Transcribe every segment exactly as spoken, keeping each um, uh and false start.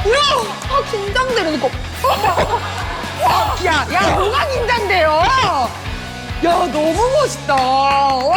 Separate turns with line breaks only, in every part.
아, 긴장돼, 이러고. 야, 야, 뭐가 긴장돼요? 야, 너무 멋있다. 와.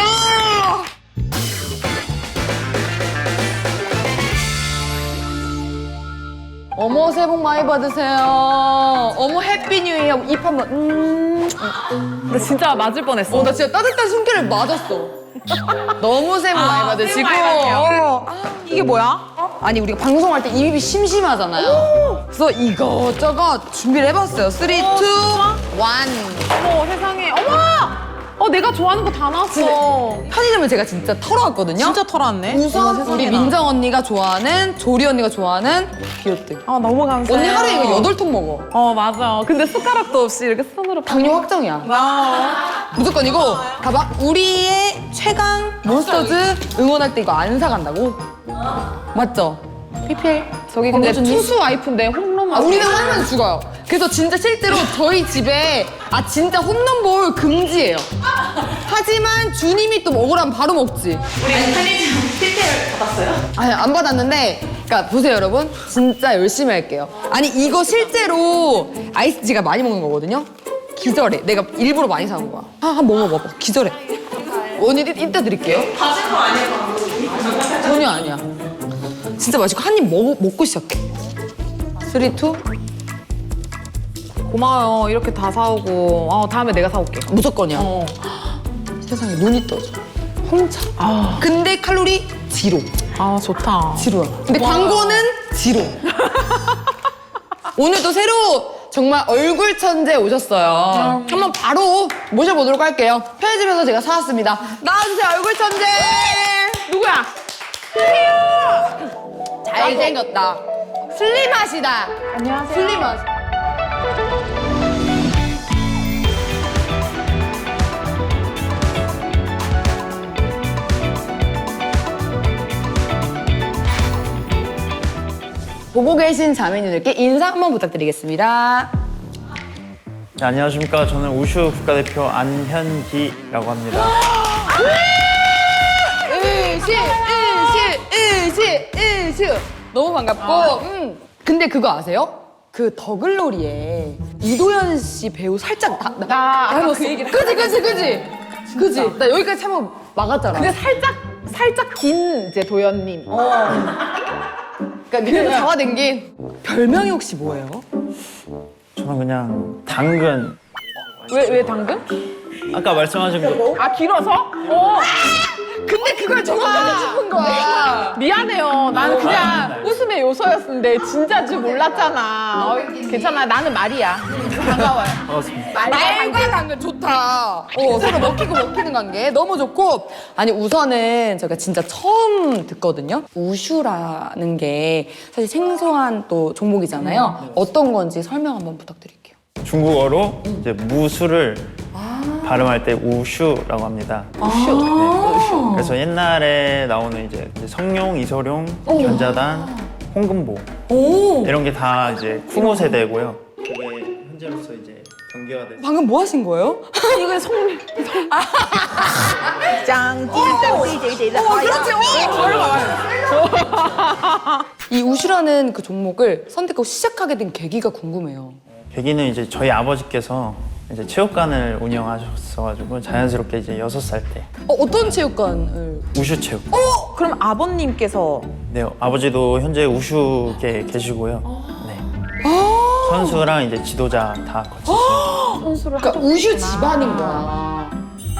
어머, 새해 복 많이 받으세요. 어머, 해피 뉴 이어. 입 한번, 음.
나 진짜 맞을 뻔했어.
어, 나 진짜 따뜻한 숨결을 맞았어. 너무 새해 복 많이 받으시고.
새해 복 많이 받으세요.
어. 이게 뭐야? 아니, 우리가 방송할 때 입이 심심하잖아요. 그래서 이것저것 준비를 해봤어요. 쓰리, 투, 원.
어머 세상에. 어머! 어 내가 좋아하는 거 다 나왔어.
편의점을 제가 진짜 털어왔거든요.
진짜 털어왔네.
우선
어머,
우리
세상에나.
민정 언니가 좋아하는, 조리 언니가 좋아하는 비오트.
아 너무 감사해.
언니 하루에 이거 여덟 통 먹어.
어 맞아. 근데 숟가락도 없이 이렇게 손으로.
당뇨 확정이야.
아.
무조건 이거 가봐. 우리의 최강 몬스터즈 응원할 때 이거 안 사간다고? 맞죠? 피피엘.
저기 근데
광고주님?
투수 와이프인데 홈런.
아, 우리는 홈런 죽어요. 그래서 진짜 실제로 저희 집에 아 진짜 홈런볼 금지예요. 하지만 주님이 또 먹으라면 바로 먹지.
우리 편의점 티켓 받았어요?
아니 안 받았는데 그러니까 보세요 여러분 진짜 열심히 할게요. 아니 이거 실제로 아이스티가 많이 먹는 거거든요. 기절해. 내가 일부러 많이 사온 거야. 아, 한번 먹어봐. 기절해. 언니 이- 이따 드릴게요.
받은 거 아니에요?
전혀 아니야. 진짜 맛있고 한 입 먹고 시작해. 쓰리, 투.
고마워요. 이렇게 다 사오고. 어, 다음에 내가 사올게.
무조건이야.
어.
세상에 눈이 떠져. 홍차.
아,
근데 칼로리 지로.
아 좋다.
지로야. 근데 광고는 지로. 오늘도 새로 정말 얼굴 천재 오셨어요. 한번 바로 모셔보도록 할게요. 편의점에서 제가 사왔습니다. 나와주세요, 얼굴 천재.
누구야?
잘생겼다. 슬림하시다.
안녕하세요.
슬림하시. 보고 계신 자매님들께 인사 한번 부탁드리겠습니다.
네, 안녕하십니까. 저는 우슈 국가대표 안현기라고 합니다.
으시, 으시, 으시, 으시. 너무 반갑고. 음. 근데 그거 아세요? 그 더글로리에 이도현 씨 배우 살짝 나, 나,
나 아까
닮았어.
그 얘기를
그지, 그지, 그지. 그지. 나 여기까지 참아 막았잖아.
근데 살짝 살짝 긴 이제 도연님.
그러니까 밑에서 잡아당긴 별명이 혹시 뭐예요?
저는 그냥 당근.
왜 왜 당근?
아까 말씀하신 거
아 길어서? 어.
근데 그걸 정확하게 짚은 거야.
미안해요. 나는 그냥 웃음의 요소였는데 진짜인지 몰랐잖아. 어, 괜찮아. 나는 말이야. 반가워요.
반갑습니다.
말과 당근 좋다. 어, 서로 먹히고 먹히는 관계 너무 좋고. 아니 우선은 제가 진짜 처음 듣거든요. 우슈라는 게 사실 생소한 또 종목이잖아요. 어떤 건지 설명 한번 부탁드릴게요.
중국어로 이제 무술을 발음할 때 우슈라고 합니다.
우슈.
네. 그래서 옛날에 나오는 이제 성룡, 이소룡, 견자단, 홍금보
오.
이런 게 다 이제 쿠모 세대고요. 그게 현재로서 이제 경기화돼서
방금 뭐 하신 거예요?
이거 성. 짱.
어, 그렇지. 어, 이 우슈라는 그 종목을 선택하고 시작하게 된 계기가 궁금해요.
계기는 이제 저희 아버지께서 이제 체육관을 운영하셨어가지고 자연스럽게 이제 여섯 살 때
어, 어떤 체육관을?
우슈 체육.
그럼 아버님께서
네, 아버지도 현재 우슈계 계시고요. 네. 선수랑 이제 지도자 다 거치시는.
선수를
그러니까 우슈 집안인 거야.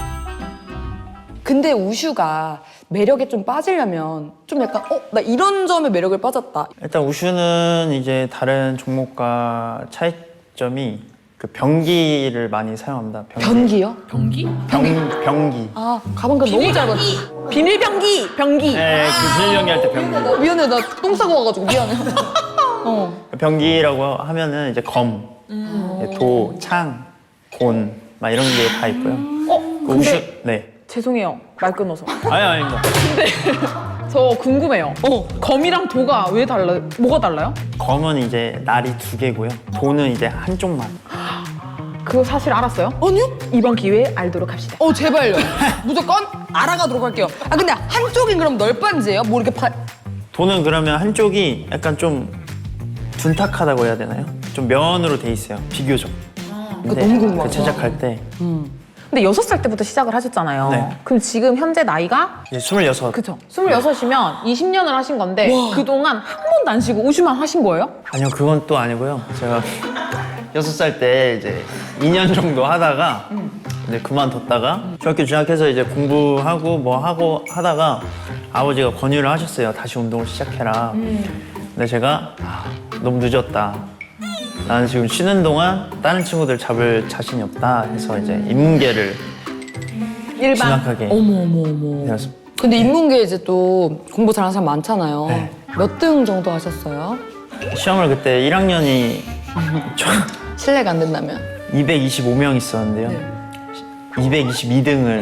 근데 우슈가 매력에 좀 빠지려면 좀 약간 어? 나 이런 점에 매력을 빠졌다.
일단 우슈는 이제 다른 종목과 차이점이 그 병기를 많이 사용합니다.
변기요?
병기?
병, 병기.
아 가방가 너무 짧았어.
비밀 병기. 병기.
네, 그 비밀병기 할 때 병기.
어, 미안해 나 똥 싸고 와가지고 미안해. 어.
병기라고 하면은 이제 검, 네, 도, 창, 곤, 막 이런 게 다 있고요.
어
그
근데
우슈, 네.
죄송해요. 말 끊어서.
아니, 아닙니다.
저 궁금해요. 어 검이랑 도가 왜 달라? 뭐가 달라요?
검은 이제 날이 두 개고요. 도는 이제 한쪽만.
그거 사실 알았어요?
아니요?
이번 기회에 알도록 합시다.
어 제발요. 무조건 알아가도록 할게요. 아 근데 한쪽이 그럼 널빤지예요? 뭐 이렇게 파...
도는 그러면 한쪽이 약간 좀 둔탁하다고 해야 되나요? 좀 면으로 돼 있어요. 비교적. 근데
너무 궁금하다.
그 제작할 때
근데 여섯 살 때부터 시작을 하셨잖아요.
네.
그럼 지금 현재 나이가?
이제 스물여섯.
그쵸. 스물여섯이면 이십 년을 하신 건데 그동안 한 번도 안 쉬고 우슈만 하신 거예요?
아니요, 그건 또 아니고요. 제가 여섯 살 때 이제 이 년 정도 하다가 이제 그만뒀다가 중학교 진학해서 이제 공부하고 뭐 하고 하다가 아버지가 권유를 하셨어요. 다시 운동을 시작해라. 근데 제가 아, 너무 늦었다. 나는 지금 쉬는 동안 다른 친구들 잡을 자신이 없다 해서 이제 인문계를
일반.
진학하게
어머 어머 어머.
되었습니다.
근데 인문계 이제 또 공부 잘하는 사람 많잖아요.
네.
몇 등 정도 하셨어요?
시험을 그때 일 학년이
실례가 안 된다면.
이백이십오 명 있었는데요. 이백이십이 등을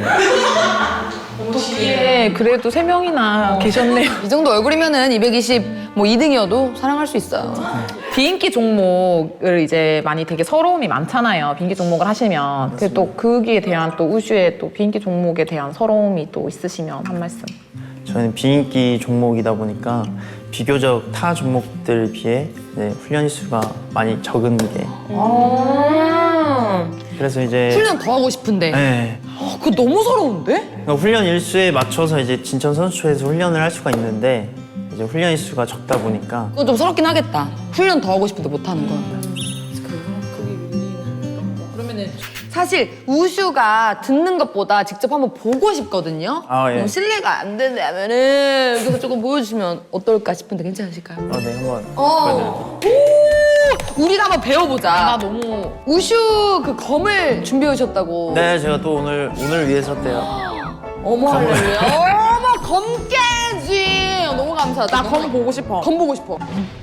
예, 그래도 세 명이나 계셨네요.
이 정도 얼굴이면은 이백이십 뭐 이 등이어도 사랑할 수 있어요.
비인기 종목을 이제 많이 되게 서러움이 많잖아요. 비인기 종목을 하시면. 근데 또 거기에 대한 또 우슈의 또 비인기 종목에 대한 서러움이 또 있으시면 한 말씀.
저희는 비인기 종목이다 보니까 비교적 타 종목들에 비해 네, 훈련 일수가 많이 적은 게 그래서 이제
훈련 더 하고 싶은데.
네,
어, 그거 너무 서러운데?
그러니까 훈련 일수에 맞춰서 이제 진천 선수촌에서 훈련을 할 수가 있는데 이제 훈련 일수가 적다 보니까
그거 좀 서럽긴 하겠다. 훈련 더 하고 싶은데 못 하는 거. 그러면은 사실 우슈가 듣는 것보다 직접 한번 보고 싶거든요.
아, 예.
뭐 실례가 안 된다면은 그래서 조금 보여주시면 어떨까 싶은데 괜찮으실까요?
어, 네, 한번
어. 오! 우리가 한번 배워보자.
나 너무
우슈 그 검을 준비해 오셨다고.
네, 제가 또 오늘 오늘 위해 섰대요.
어머 할렐루야. 어머 검깨지. 너무 감사하다.
나 검 보고 싶어.
검 보고 싶어.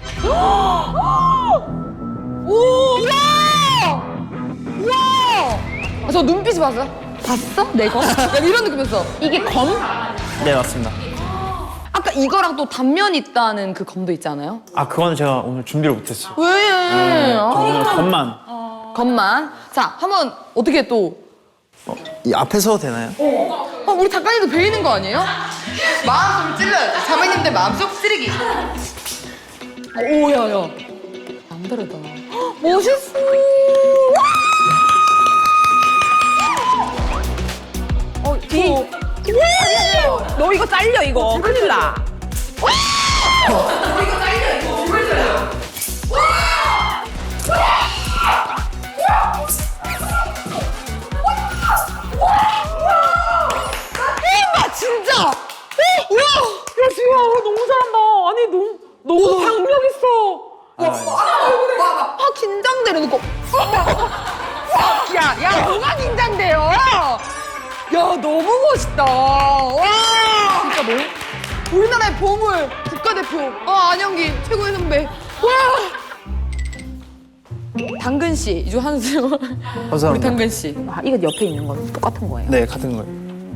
오! 우와! 우와! 아, 저 눈빛이 봤어요? 봤어? 내 검? 약간 이런 느낌이었어.
이게 검?
네, 맞습니다.
아까 이거랑 또 단면 있다는 그 검도 있지 않아요?
아, 그건 제가 오늘 준비를 못했어요.
왜?
저 오늘 겉만.
검만. 자, 한번 어떻게 또.
어, 이 앞에 서도 되나요?
어, 우리 작가님도 배이는 거 아니에요? 마음속을 찔러야지. 자매님들 마음속 쓰레기. 오, 야, 야. 남다르다. 헉, 멋있어.
어, 비. 너 이거 잘려 이거. 큰일 나.
아, 진짜. 어, 우와.
야 지우야 너무 잘한다. 아니 너무 너무 박력 있어.
와, 와, 아, 긴장되는 거. 야, 야, 뭐가 긴장돼요? 야, 너무 멋있다. 와. 진짜 뭐? 우리나라의 보물 국가대표. 아, 안영기 최고의 선배. 와. 당근 씨, 이중 한수. 우리
감사합니다.
당근 씨.
아, 이거 옆에 있는 건 똑같은 거예요.
네, 같은 거예요.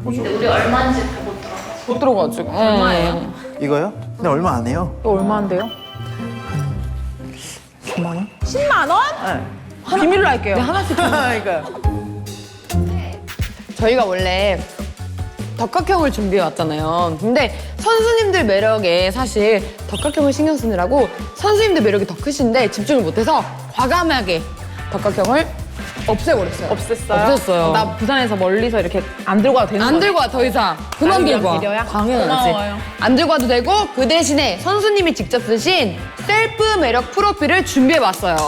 못 들어가지고.
얼마예요?
이거요? 근데 얼마 안 해요.
또 얼마인데요?
십만 원?
십만 원?
네.
비밀로 할게요.
네, 하나씩.
그러니까.
저희가 원래 덕각형을 준비해 왔잖아요. 근데 선수님들 매력에 사실 덕각형을 신경 쓰느라고 선수님들 매력이 더 크신데 집중을 못해서 과감하게 덕각형을 없애버렸어요.
없앴어요?
없앴어요.
나 부산에서 멀리서 이렇게 안 들고 와도 되는
안
거네?
들고 와, 더 이상. 그만
나를
들고 와.
위한 배려야?
당연하지.
고마워요.
안 들고 와도 되고 그 대신에 선수님이 직접 쓰신 셀프 매력 프로필을 준비해봤어요.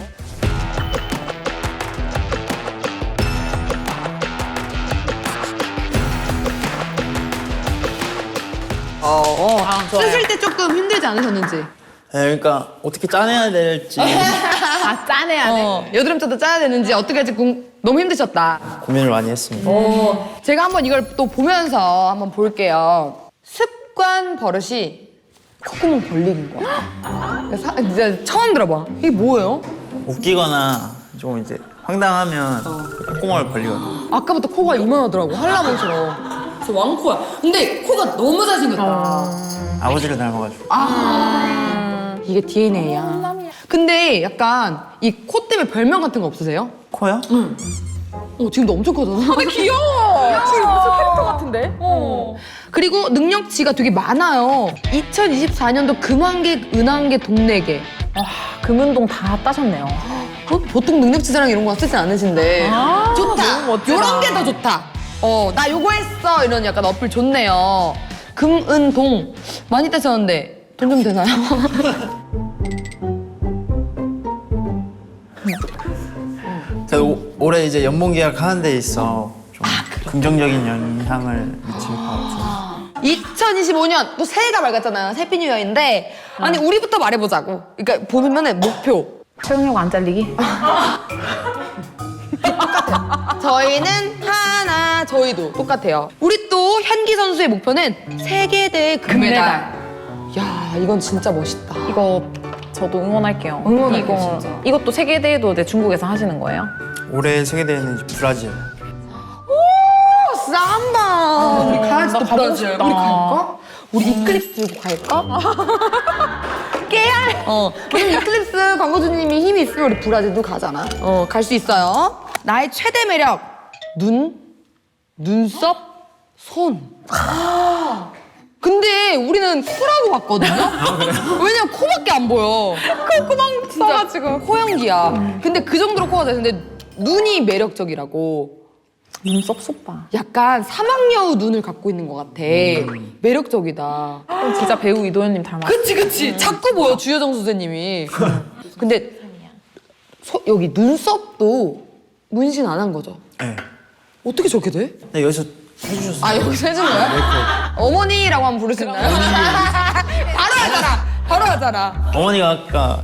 어, 어.
아, 좋아요.
쓰실 때 조금 힘들지 않으셨는지.
네, 그러니까 어떻게 짜내야 될지
아 짜내야 돼.
어, 여드름자도 짜야 되는지 어떻게 할지 궁- 너무 힘드셨다.
고민을 많이 했습니다.
어, 제가 한번 이걸 또 보면서 한번 볼게요. 습관 버릇이 콧구멍 벌리는 거야. 사, 진짜 처음 들어봐. 이게 뭐예요?
웃기거나 좀 이제 황당하면 콧구멍을 벌리거든요.
아까부터 코가 이만하더라고. 한라봉처럼. 저 왕코야. 근데 코가 너무 잘생겼다.
아버지를 닮아가지고.
아, 이게 디엔에이야. 근데 약간 이 코 때문에 별명 같은 거 없으세요?
코요?
어, 지금도 엄청 커졌어. 근데
귀여워. 지금 무슨 캐릭터 같은데?
어. 그리고 능력치가 되게 많아요. 이천이십사 년도 금환계, 은환계, 동래계.
금은동 다 따셨네요.
어? 보통 능력치사랑 이런 거 쓰진 않으신데
아,
좋다.
너무 멋지다.
요런 게 더 좋다. 어, 나 요거 했어. 이런 약간 어플 좋네요. 금은동 많이 따셨는데 돈 좀 되나요?
제가 오- 올해 이제 연봉 계약 하는 데 있어 좀 긍정적인 영향을 미칠 것 같아요.
이천이십오 년 또 새해가 밝았잖아요. 해피 뉴 이어인데 아니 우리부터 말해보자고. 그러니까 보면은 목표.
채용력 안 잘리기?
저희는 하나, 저희도 똑같아요. 우리 또 현기 선수의 목표는 세계대회 금메달. 야, 이건 진짜 멋있다.
이거 저도 응원할게요.
응원할게요,
이거,
진짜.
이것도 세계대회도 이제 중국에서 하시는 거예요?
올해 세계대회는 이제 브라질.
오, 삼바. 우리 가야지 또
나 가보고
브라질.
싶다.
우리 갈까? 우리 이클립스 들고 갈까? 깨알. 어, 우리 이클립스 광고주님이 힘이 있으면 우리 브라질도 가잖아. 어, 갈 수 있어요. 나의 최대 매력. 눈, 눈썹, 손. 근데 우리는 코라고 봤거든요? 왜냐면 코밖에 안 보여. 콧구멍 써가지고. 코연기야. 근데 그 정도로 코가 돼. 근데 눈이 매력적이라고.
눈썹 소빠.
약간 사막여우 눈을 갖고 있는 것 같아. 매력적이다.
진짜 배우 이도현님 닮았어.
그치 그치. 자꾸 보여 주여정 선생님이. 근데 소- 여기 눈썹도 문신 안 한 거죠?
네.
어떻게 저렇게 돼?
근데 여기서 해주셨어요.
아 여기서 해준 거야? 어머니라고 한번 부를 수 있나요? 바로 하잖아. 바로 하잖아.
어머니가 아까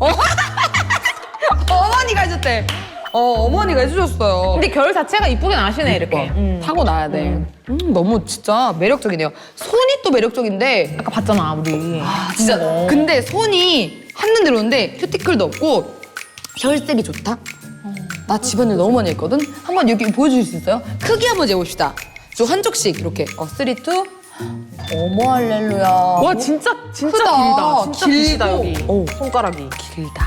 어머니가 해줬대. 어 어머니가 해주셨어요.
근데 결 자체가 이쁘게 나시네 이렇게. 음.
타고 나야 돼. 음, 너무 진짜 매력적이네요. 손이 또 매력적인데
아까 봤잖아 우리.
아, 진짜. 근데 손이 한눈 들어오는데 큐티클도 없고 혈색이 좋다? 나 집안일 너무 많이 했거든? 한번 여기 보여줄 수 있어요? 크기 한번 재봅시다. 저 한쪽씩 이렇게. 어, 쓰리, 투. 어머 할렐루야.
와 진짜 진짜
크다.
길다. 진짜
길고.
길다 여기.
어.
손가락이.
길다.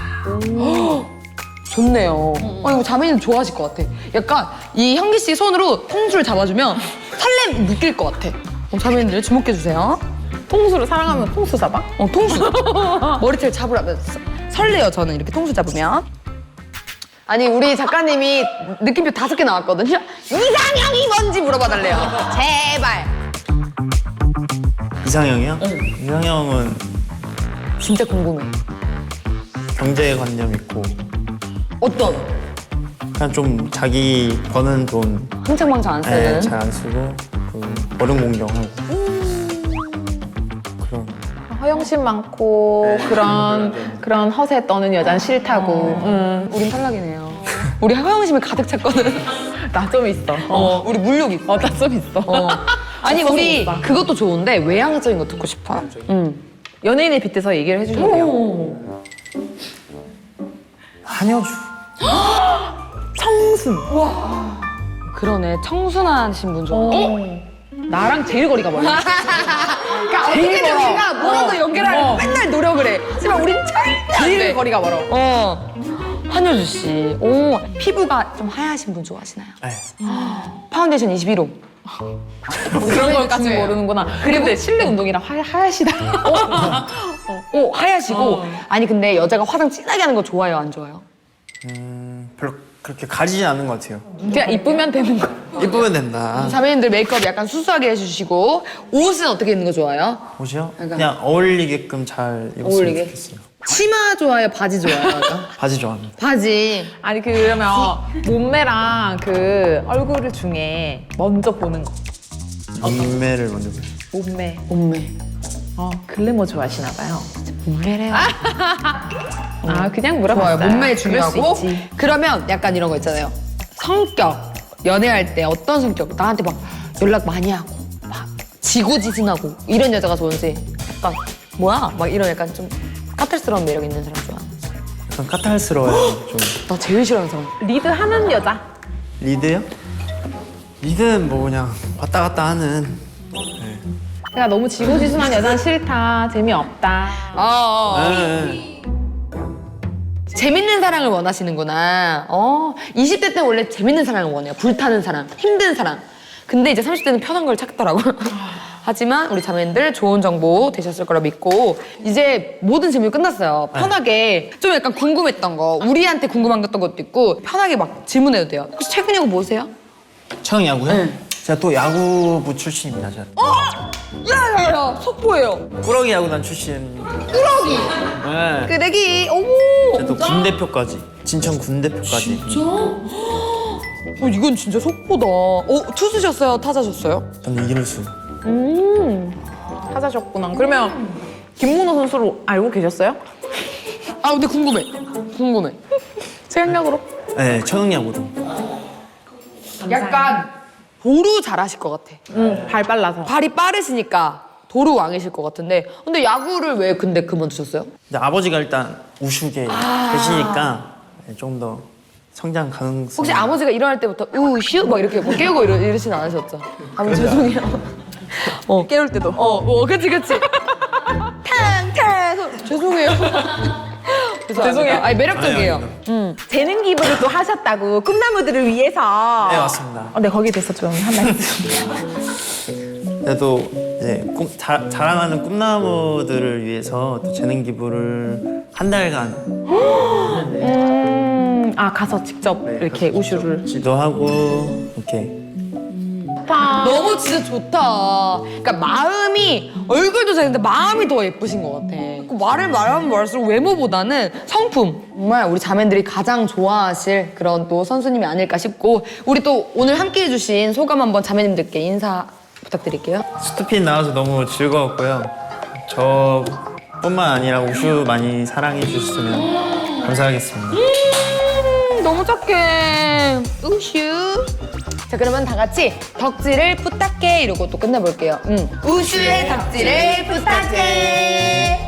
좋네요. 어, 이거 자매님 좋아하실 것 같아. 약간 이 현기 씨 손으로 통수를 잡아주면 설렘 느낄 것 같아. 어, 자매님들 주목해주세요.
통수를 사랑하면 통수 잡아?
어, 통수. 머리채를 잡으라면 서- 설레요, 저는 이렇게 통수 잡으면. 아니, 우리 작가님이 느낌표 다섯 개 나왔거든요. 이상형이 뭔지 물어봐달래요. 제발.
이상형이요? 이상형은
진짜 궁금해.
경제관념 있고
어떤?
그냥 좀 자기 버는 돈
흥청망청 안 쓰는.
잘 안 쓰고 그 어른 공경하고 그런
허영심 많고 그런 그런 허세 떠는 여자는 싫다고. 음.
우린 탈락이네요. 우리 허영심이 가득 찼거든.
나 좀 있어.
어, 우리 물욕 있어.
어, 나 좀 있어.
어. 아니,
없어서
우리
못 봐.
그것도 좋은데 외향적인 거 듣고 싶어. 응.
연예인에 빗대서 얘기를 해주셔도 돼요.
한여주
청순.
그러네. 청순하신 분 좋아.
어? 나랑 제일 거리가 멀어.
그러니까
제일
어떻게든
멀어.
우리가 뭐라도
어.
연결하려고
어.
맨날 노력을 해. 하지만 우린 절대 안
제일
돼.
거리가 멀어.
어. 한효주 씨. 오, 피부가 좀 하얗신 분 좋아하시나요?
네.
파운데이션 이십일 호.
그런 걸까지
중요해요.
모르는구나. 근데 실내 운동이랑 하, 하얗시다.
오, 하얗시고.
어.
아니, 근데 여자가 화장 진하게 하는 거 좋아요, 안 좋아요?
음, 별로 그렇게 가리진 않는 것 같아요.
그냥 이쁘면 되는 거.
예쁘면 된다.
자매님들 메이크업 약간 수수하게 해주시고, 옷은 어떻게 입는 거 좋아요?
옷이요?
약간-
그냥 어울리게끔 잘 입었으면
어울리게?
좋겠어요.
치마 좋아요, 바지 좋아요?
바지 좋아합니다.
바지.
아니 그러면 몸매랑 그 얼굴 중에 먼저 보는 거.
몸매를 먼저 보세요.
몸매.
몸매.
어 글래머 좋아하시나 봐요.
몸매래요.
아 그냥 물어봤어요.
좋아요. 몸매
그럴
중요하고.
수 있지.
그러면 약간 이런 거 있잖아요. 성격. 연애할 때 어떤 성격? 나한테 막 연락 많이 하고, 막 지고지순하고 이런 여자가 좋은지 약간 뭐야? 막 이런 약간 좀 까탈스러운 매력 있는 사람 좋아하는 거지.
약간 까탈스러워요. 좀
나 제일 싫어하는 사람.
리드하는 여자.
리드요? 리드는 뭐 그냥 왔다 갔다 하는.
그러니까 너무 지고지순한 여자는 싫다. 재미없다.
아, 어.
네.
재밌는 사랑을 원하시는구나. 어, 이십 대 때 원래 재밌는 사랑을 원해요. 불타는 사랑, 힘든 사랑. 근데 이제 삼십 대는 편한 걸 찾더라고요. 하지만 우리 자매님들 좋은 정보 되셨을 거라 믿고 이제 모든 질문이 끝났어요. 편하게 좀 약간 궁금했던 거, 우리한테 궁금한 것도 있고 편하게 막 질문해도 돼요. 혹시 최근 야구 뭐세요?
최강 야구요?
네.
제가 또 야구부 출신입니다. 제가.
야야야 속보예요.
꾸러기 야구단 출신.
꾸러기.
네.
그 내기 어머.
제가 또 군대표까지. 진천 군대표까지.
어, 이건 진짜 속보다. 어 투수셨어요? 타자셨어요?
저는 이길수.
타자셨구나. 그러면 김문호 선수를 알고 계셨어요?
아 근데 궁금해. 궁금해.
생각으로?
네, 최강 야구로.
약간 도루 잘하실 것 같아.
응, 발 빨라서.
발이 빠르시니까 도루 왕이실 것 같은데. 근데 야구를 왜 근데 그만두셨어요?
근데 아버지가 일단 우슈계 계시니까 좀 더 성장 가능성.
혹시 아버지가 일어날 때부터 우슈 막 이렇게 뭐 깨우고 이러, 이러진 않으셨죠? 아버지 죄송해요. 어 깨울 때도. 어, 어 그치 그치. 탕탕 소- 죄송해요. 죄송해요. 아니 매력적이에요.
아니요,
음.
재능 기부를 또 하셨다고 꿈나무들을 위해서.
네, 맞습니다.
어, 네 거기에 대해서 좀 한 말씀.
그래도 이제 꿈, 자, 자라나는 꿈나무들을 위해서 또 재능 기부를 한 달간
음, 아 가서 직접 이렇게 우슈를.
지도하고 이렇게
너무 진짜 좋다. 그러니까 마음이 얼굴도 잘했는데 마음이 더 예쁘신 것 같아. 그 말을 말하면 말할수록 외모보다는 성품. 정말 우리 자매들이 가장 좋아하실 그런 또 선수님이 아닐까 싶고 우리 또 오늘 함께해 주신 소감 한번 자매님들께 인사 부탁드릴게요.
스투핀 나와서 너무 즐거웠고요. 저뿐만 아니라 우슈 많이 사랑해 주셨으면 감사하겠습니다.
음, 너무 착해. 우슈. 자 그러면 다 같이 덕질을 부탁해 이러고 또 끝내볼게요. 음. 우슈의 덕질을 부탁해.